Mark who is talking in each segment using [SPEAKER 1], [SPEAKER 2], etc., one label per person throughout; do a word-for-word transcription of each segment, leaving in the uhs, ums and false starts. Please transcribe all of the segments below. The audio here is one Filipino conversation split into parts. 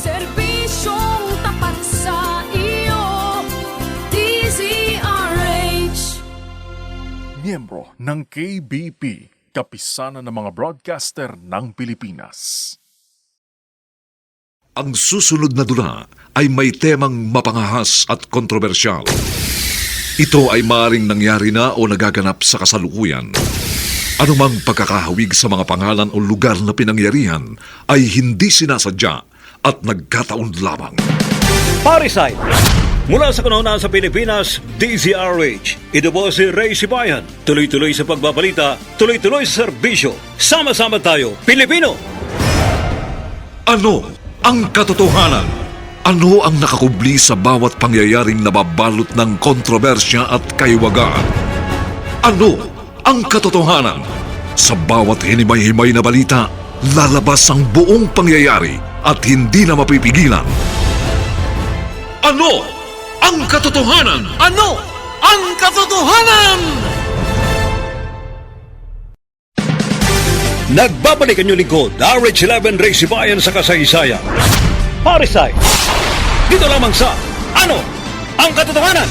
[SPEAKER 1] Serbisyong tapat sa iyo, D Z R H.
[SPEAKER 2] Miyembro ng K B P, Kapisanan ng mga Broadcaster ng Pilipinas.
[SPEAKER 3] Ang susunod na dula ay may temang mapangahas at kontrobersyal. Ito ay maaaring nangyari na o nagaganap sa kasalukuyan. Anumang pagkakahawig sa mga pangalan o lugar na pinangyarihan ay hindi sinasadya at nagkataon lamang.
[SPEAKER 4] Parisite! Mula sa kanuna sa Pilipinas, D Z R H. Ito po si Ray Sibayan. Tuloy-tuloy sa pagbabalita, tuloy-tuloy sa serbisyo. Sama-sama tayo, Pilipino!
[SPEAKER 3] Ano ang katotohanan? Ano ang nakakubli sa bawat pangyayaring nababalot ng kontrobersya at kaiwagaan? Ano ang katotohanan? Sa bawat hinimay-himay na balita, lalabas ang buong pangyayari at hindi na mapipigilan. Ano ang katotohanan?
[SPEAKER 5] Ano ang katotohanan?
[SPEAKER 4] Nagbabalik ang inyong lingkod, R H eleven Ray Sibayan sa kasaysayan. Parisite! Dito lamang sa Ano ang Katotohanan?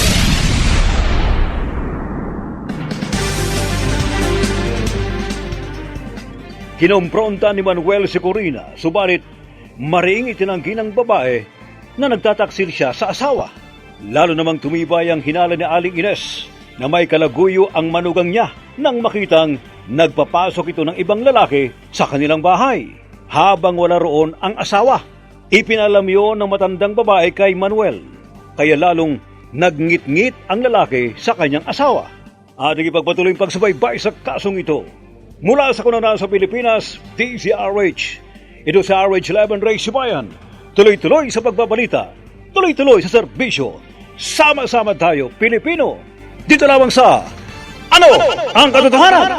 [SPEAKER 4] Kinompronta ni Manuel si Corina, subalit maring itinanggi ng babae na nagtataksil siya sa asawa. Lalo namang tumibay ang hinala ni Aling Ines na may kalaguyo ang manugang niya nang makitang nagpapasok ito ng ibang lalaki sa kanilang bahay habang wala roon ang asawa. Ipinalam yon ng matandang babae kay Manuel, kaya lalong nagngit-ngit ang lalaki sa kanyang asawa. Ating ipagpatuloy ang pagsubaybay sa kasong ito. Mula sa kanuna sa Pilipinas, D Z R H. Ito sa R H eleven Ray Sibayan. Tuloy-tuloy sa pagbabalita, tuloy-tuloy sa serbisyo. Sama-sama tayo, Pilipino. Dito lamang sa Ano, ano ang Katotohanan?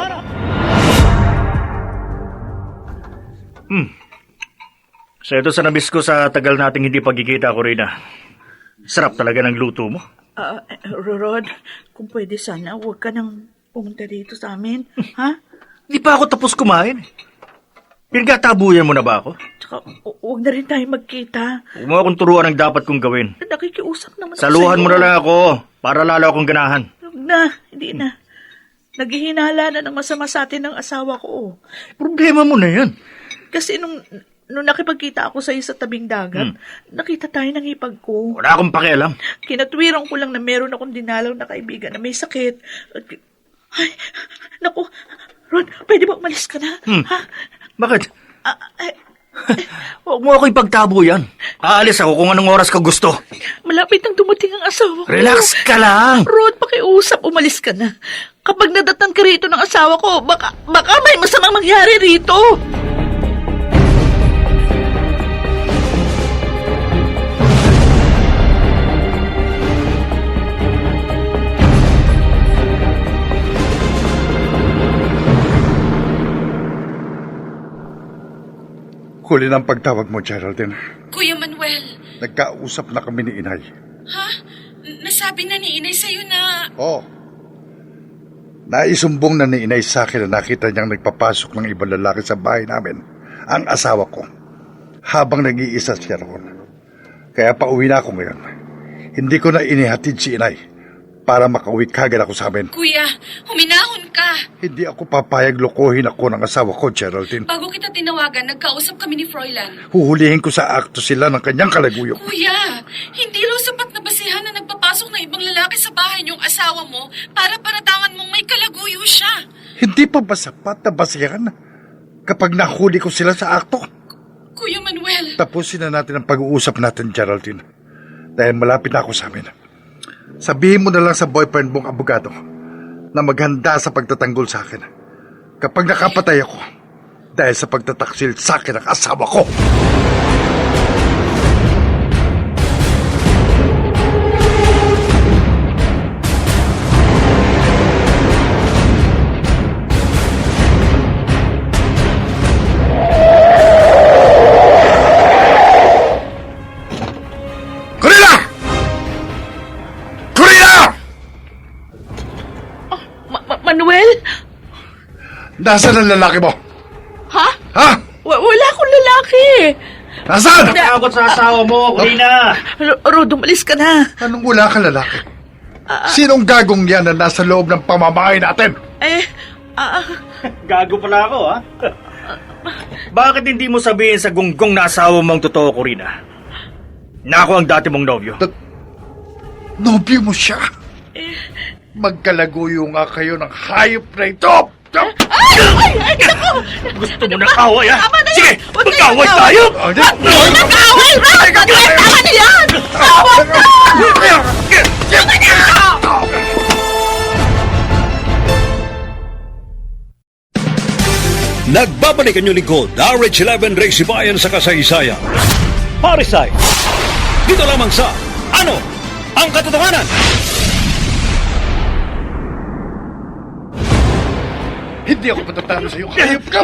[SPEAKER 6] Hmm. So ito sa nabis ko sa tagal nating hindi pagkikita ko rin. Sarap talaga ng luto mo.
[SPEAKER 7] Ah, Rod, kung pwede sana, huwag ka nang pumunta dito sa amin. Ha?
[SPEAKER 6] Hindi pa ako tapos kumain. Pinagkatabuyan mo na ba ako?
[SPEAKER 7] Tsaka, hu- huwag na rin tayo magkita.
[SPEAKER 6] Huwag mo akong turuan ang dapat kong gawin.
[SPEAKER 7] Nakikiusap naman ako
[SPEAKER 6] Saluhan
[SPEAKER 7] sa'yo.
[SPEAKER 6] mo na lang ako para lalo akong ganahan.
[SPEAKER 7] Huwag na, hindi na. Naghihinala na ng masama sa atin ng asawa ko.
[SPEAKER 6] Problema mo na yan.
[SPEAKER 7] Kasi nung, nung nakipagkita ako sa'yo sa tabing dagat, nakita tayo ng ipag ko.
[SPEAKER 6] Wala akong pakialam.
[SPEAKER 7] Kinatwiran ko lang na meron akong dinalaw na kaibigan na may sakit. Ay, naku, Rod, pwede ba umalis ka na?
[SPEAKER 6] Hmm.
[SPEAKER 7] Ha?
[SPEAKER 6] Bakit?
[SPEAKER 7] Ah, eh,
[SPEAKER 6] Huwag mo ako ipagtabo yan. Aalis ako kung anong oras ka gusto.
[SPEAKER 7] malapit nang dumating ang asawa ko.
[SPEAKER 6] Relax ka lang.
[SPEAKER 7] Rod, pakiusap, umalis ka na. Kapag nadatnan ka rito ng asawa ko, baka, baka may masamang mangyari rito.
[SPEAKER 8] Huli ng pagtawag mo, Geraldine.
[SPEAKER 9] Kuya Manuel,
[SPEAKER 8] Nagkausap na kami ni Inay.
[SPEAKER 9] ha? N- Nasabi na ni Inay sa'yo na...
[SPEAKER 8] Oo. Naisumbong na ni Inay sa akin na nakita niyang nagpapasok ng ibang lalaki sa bahay namin, ang asawa ko, habang nag-iisa siya roon. Kaya pauwi na ako ngayon. Hindi ko na inihatid si Inay para makauwi kagad ako sa amin.
[SPEAKER 9] Kuya, huminahon ka.
[SPEAKER 8] Hindi ako papayag lokohin ako ng asawa ko, Geraldine.
[SPEAKER 9] Bago kita tinawagan, nagkausap kami ni Froilan.
[SPEAKER 8] Huhulihin ko sa akto sila ng kanyang kalaguyo.
[SPEAKER 9] Kuya, hindi raw sapat na basihan na nagpapasok ng ibang lalaki sa bahay niyong asawa mo para paratangan mong may kalaguyo siya.
[SPEAKER 8] Hindi pa ba sapat na basihan kapag nahuli ko sila sa akto?
[SPEAKER 9] Kuya Manuel.
[SPEAKER 8] Tapusin na natin ang pag-uusap natin, Geraldine. Dahil malapit na ako sa amin. Sabihin mo na lang sa boyfriend mong abogado na maghanda sa pagtatanggol sa akin kapag nakapatay ako dahil sa pagtataksil sa akin ng asawa ko. Corina! Corina!
[SPEAKER 7] Ma- Ma- Manuel?
[SPEAKER 8] Nasaan ang lalaki mo?
[SPEAKER 7] Ha?
[SPEAKER 8] Ha?
[SPEAKER 7] Wa- wala akong lalaki.
[SPEAKER 8] Nasaan?
[SPEAKER 6] Takot sa asawa mo, Corina!
[SPEAKER 7] R- Rod, umalis ka na.
[SPEAKER 8] Anong wala ka lalaki? Sinong gagong yan na nasa loob ng pamamahay natin?
[SPEAKER 7] Eh, ah,
[SPEAKER 6] Gago pala ako, ha? Bakit hindi mo sabihin sa gunggong na asawa mong totoo, Corina? Na ako ang dati mong nobyo.
[SPEAKER 8] Nobyo mo siya. Magkalaguyo nga kayo ng hayop na ito.
[SPEAKER 6] Gusto mo ng away, ha?
[SPEAKER 7] Tama na yan!
[SPEAKER 6] Sige,
[SPEAKER 7] Huwag na
[SPEAKER 6] mag-away
[SPEAKER 7] yan!
[SPEAKER 6] tayo!
[SPEAKER 7] Huwag nag-away, Rod! Tama na yan! Tawag na! Tama na!
[SPEAKER 4] Nagbabalik ang inyong lingkod, R H eleven Ray Sibayan sa kasaysayan. Parisite! Dito lamang sa Ano ang Katotohanan?
[SPEAKER 8] Hindi ako patatalo sa iyo. Hayop ka!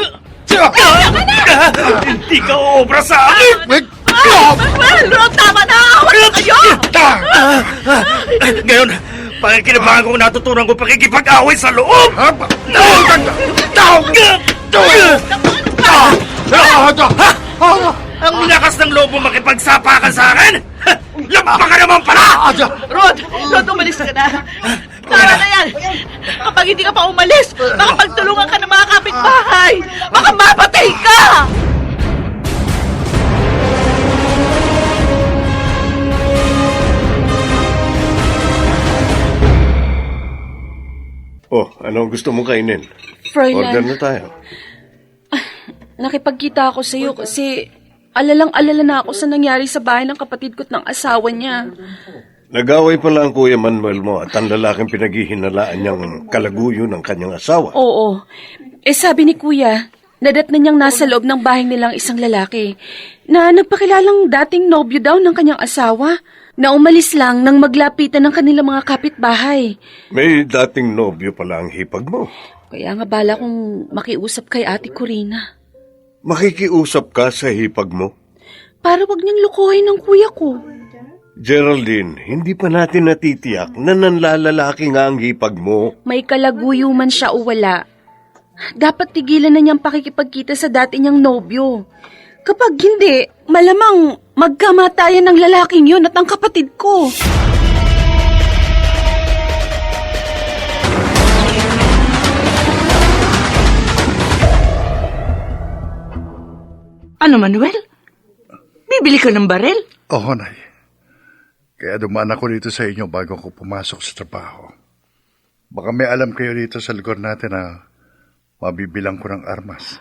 [SPEAKER 6] Hindi ka uobra sa akin!
[SPEAKER 7] Manuel, Rod, tama na! Wala na kayo!
[SPEAKER 6] Ngayon, pakikinabangan kong natutunan ko pakikipag-away sa loob! Ang lakas ng loob mo makipagsapakan sa akin? Lampa ka naman pala!
[SPEAKER 7] Rod, Rod, umalis ka na. Tama na yan. Kapag hindi ka pa umalis, baka pagtulungan ka ng mga kapitbahay. Baka mapatay ka!
[SPEAKER 10] Oh, ano gusto mong kainin?
[SPEAKER 11] Froilan,
[SPEAKER 10] Order na tayo.
[SPEAKER 11] nakipagkita ako sa iyo kasi alalang-alala na ako sa nangyari sa bahay ng kapatid ko at ng asawa niya.
[SPEAKER 10] Nag-away pala ang Kuya Manuel mo at ang lalaking pinaghihinalaan niyang kalaguyo ng kanyang asawa.
[SPEAKER 11] Oo. Eh sabi ni Kuya, nadat na niyang nasa loob ng bahay nilang isang lalaki na nagpakilalang dating nobyo daw ng kanyang asawa na umalis lang nang maglapitan ng kanilang mga kapitbahay.
[SPEAKER 10] May dating nobyo pala ang hipag mo.
[SPEAKER 11] Kaya nga bala kong makiusap kay Ate Corina.
[SPEAKER 10] Makikiusap ka sa hipag mo?
[SPEAKER 11] Para wag niyang lukuhin ng kuya ko.
[SPEAKER 10] Geraldine, hindi pa natin natitiyak na nanlalalaki nga ang hipag mo.
[SPEAKER 11] May kalaguyo man siya o wala. Dapat tigilan na niyang pakikipagkita sa dati niyang nobyo. Kapag hindi, malamang magkamatayan ng lalaking yun at ang kapatid ko.
[SPEAKER 7] Ano, Manuel? Bibili ka ng baril?
[SPEAKER 8] Oo, Nay. Kaya dumaan ako dito sa inyo bago ako pumasok sa trabaho. Baka may alam kayo dito sa lugar natin na mabibilang ko ng armas.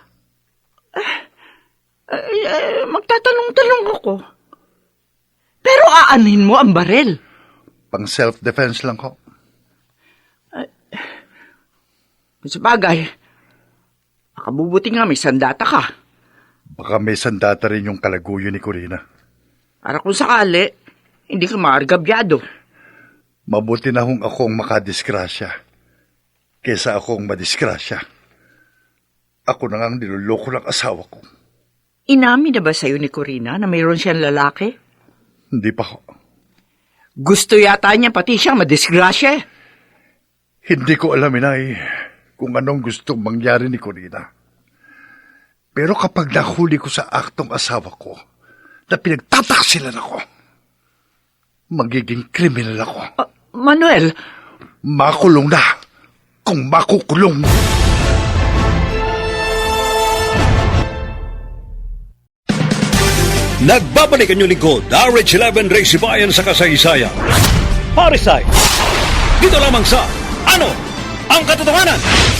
[SPEAKER 7] Ay, ay, magtatanong-tanong ako. Pero aanhin mo ang baril.
[SPEAKER 8] Pang self-defense lang ko.
[SPEAKER 7] Sa bagay, makabubuti nga may sandata ka.
[SPEAKER 8] Baka may sandata rin yung kalaguyo ni Corina.
[SPEAKER 7] Para kung sakali, hindi ka maargabyado.
[SPEAKER 8] Mabuti na hong akong makadisgrasya kesa akong madisgrasya. Ako na ngang niloloko ng asawa ko.
[SPEAKER 7] Inamin na ba sa'yo ni Corina na mayroon siyang lalaki?
[SPEAKER 8] Hindi pa ho.
[SPEAKER 7] Gusto yata niya pati siyang madisgrasya.
[SPEAKER 8] Hindi ko alam, Inay, kung anong gustong mangyari ni Corina. Pero kapag nahuli ko sa aktong asawa ko na pinagtataksilan ako, magiging kriminal ako.
[SPEAKER 7] Uh, Manuel!
[SPEAKER 8] Makulong na kung makukulong.
[SPEAKER 4] Nagbabalik ang inyong lingkod, R H eleven Ray Sibayan sa kasaysayan. Parisite! Dito lamang sa Ano ang Katotohanan?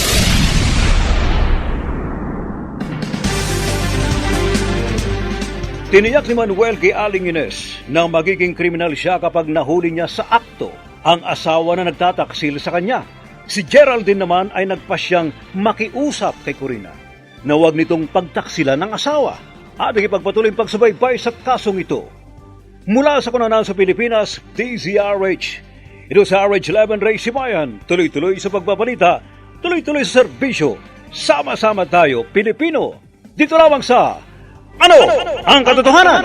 [SPEAKER 4] Tiniyak ni Manuel kay Aling Ines na magiging kriminal siya kapag nahuli niya sa akto ang asawa na nagtataksil sa kanya. Si Geraldine naman ay nagpasyang makiusap kay Corina na huwag nitong pagtaksilan ng asawa at ipagpatuloy ang pagsubaybay sa kasong ito. Mula sa kunanan sa Pilipinas, D Z R H. Ito sa R H eleven Ray Sibayan, tuloy-tuloy sa pagbabalita, tuloy-tuloy sa serbisyo. Sama-sama tayo, Pilipino. Dito lamang sa Ano ang Katotohanan?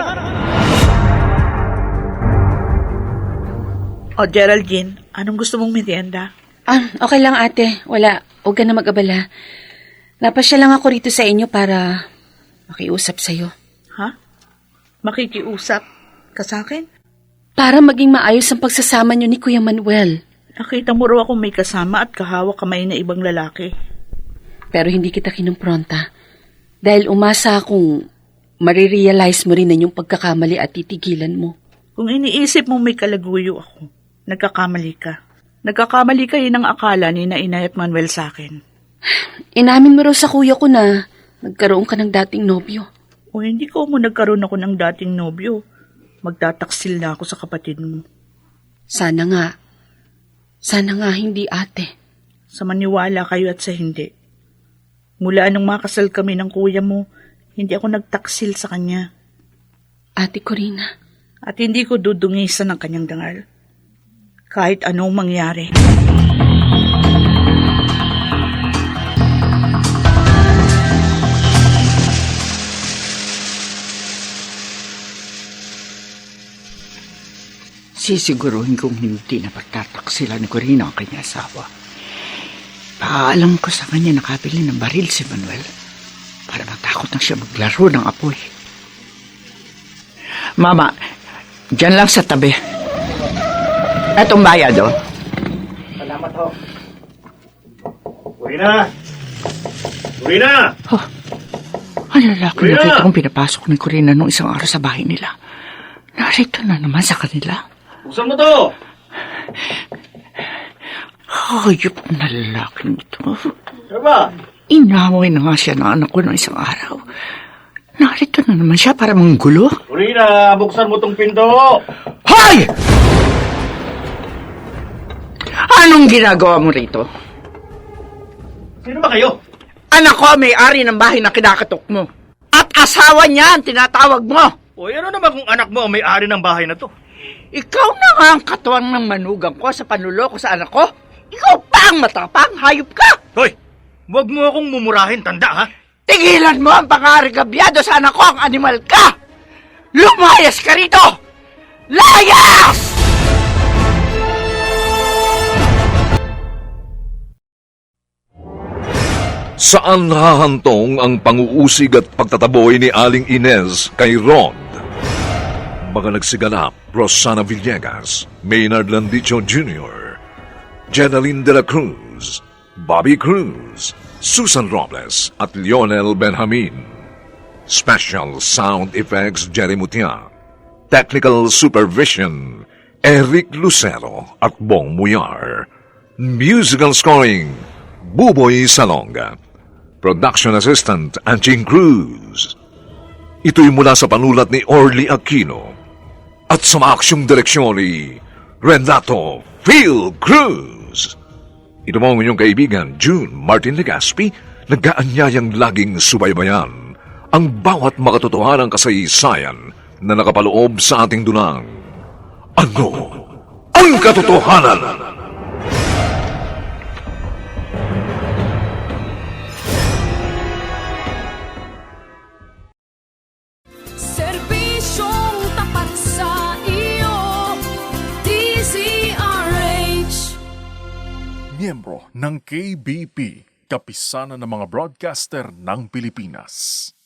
[SPEAKER 7] O, Geraldine, anong gusto mong merienda?
[SPEAKER 11] Ah, okay lang ate. Wala. Huwag ka na mag-abala. Napasya lang ako rito sa inyo para makiusap sa'yo.
[SPEAKER 7] Ha? Makikiusap ka sa akin?
[SPEAKER 11] Para maging maayos ang pagsasama niyo ni Kuya Manuel.
[SPEAKER 7] Nakita mo raw akong may kasama at kahawak kamay na ibang lalaki.
[SPEAKER 11] Pero hindi kita kinumpronta. Dahil umasa akong marirealize mo rin na yung pagkakamali at titigilan mo.
[SPEAKER 7] Kung iniisip mong may kalaguyo ako, nagkakamali ka. Nagkakamali kayo ng akala ni na Inay at Manuel sa akin.
[SPEAKER 11] Inamin mo raw sa kuya ko na nagkaroon ka ng dating nobyo.
[SPEAKER 7] O hindi ko mo nagkaroon ako ng dating nobyo. Magtataksil na ako sa kapatid mo.
[SPEAKER 11] Sana nga. Sana nga hindi, ate.
[SPEAKER 7] Sa maniwala kayo at sa hindi. Mula nung makasal kami ng kuya mo, hindi ako nagtaksil sa kanya.
[SPEAKER 11] Ate Corina.
[SPEAKER 7] At hindi ko dudungisan ng kanyang dangal. Kahit anong mangyari.
[SPEAKER 12] Sisiguruhin kong hindi na pagtataksila ni Corina ang kanyang asawa. Paalam ko sa kanya nakabili ng baril si Manuel para matakot na siya maglaro ng apoy. Mama, dyan lang sa tabi. Etong bayad, oh.
[SPEAKER 6] Salamat ho. Corina! Corina!
[SPEAKER 12] Oh, ang lalaki na kita kong pinapasok ni Corina nung isang araw sa bahay nila. Narito na naman sa kanila.
[SPEAKER 6] Buksan mo to!
[SPEAKER 12] Hayop na lalaking ito.
[SPEAKER 6] Ano ba?
[SPEAKER 12] Inaway na nga siya ng anak ko ng isang araw. Narito na naman siya para manggulo.
[SPEAKER 6] Corina, buksan mo tong pinto!
[SPEAKER 12] Hoy! Anong ginagawa mo rito?
[SPEAKER 6] Sino ba kayo?
[SPEAKER 12] Anak ko ang may-ari ng bahay na kinakatok mo. At asawa niya ang tinatawag mo.
[SPEAKER 6] O, ano naman kung anak mo ang may-ari ng bahay na to?
[SPEAKER 12] Ikaw na nga ang katuwang ng manugang ko sa panuloko sa anak ko. Ikaw pa ang matapang, hayop ka!
[SPEAKER 6] Hoy! Huwag mo akong mumurahin, tanda ha?
[SPEAKER 12] Tigilan mo ang pangargabyado sa anak ko, ang animal ka! Lumayas ka rito! Layas!
[SPEAKER 3] Saan hahantong ang panguusig at pagtataboy ni Aling Inez kay Rod? Mga nagsiganap, Rosana Villegas, Maynard Landicho Junior, Jenaline de la Cruz, Bobby Cruz, Susan Robles at Lionel Benjamin. Special Sound Effects Jerry Mutia. Technical Supervision Eric Lucero at Bong Muyar. Musical Scoring Buboy Salonga. Production Assistant Anching Cruz. Ito'y mula sa panulat ni Orly Aquino at sa maaksyong direksyon ni Renato Phil Cruz. Ito mo ang inyong kaibigan, June Martin Legaspi, nag-aanyayang laging subaybayan ang bawat makatotohanang kasaysayan na nakapaloob sa ating dunang. Ano ang katotohanan?
[SPEAKER 1] Serbisyong tapat sa iyo, D Z R H.
[SPEAKER 2] Miyembro ng K B P, Kapisanan ng mga Broadcaster ng Pilipinas.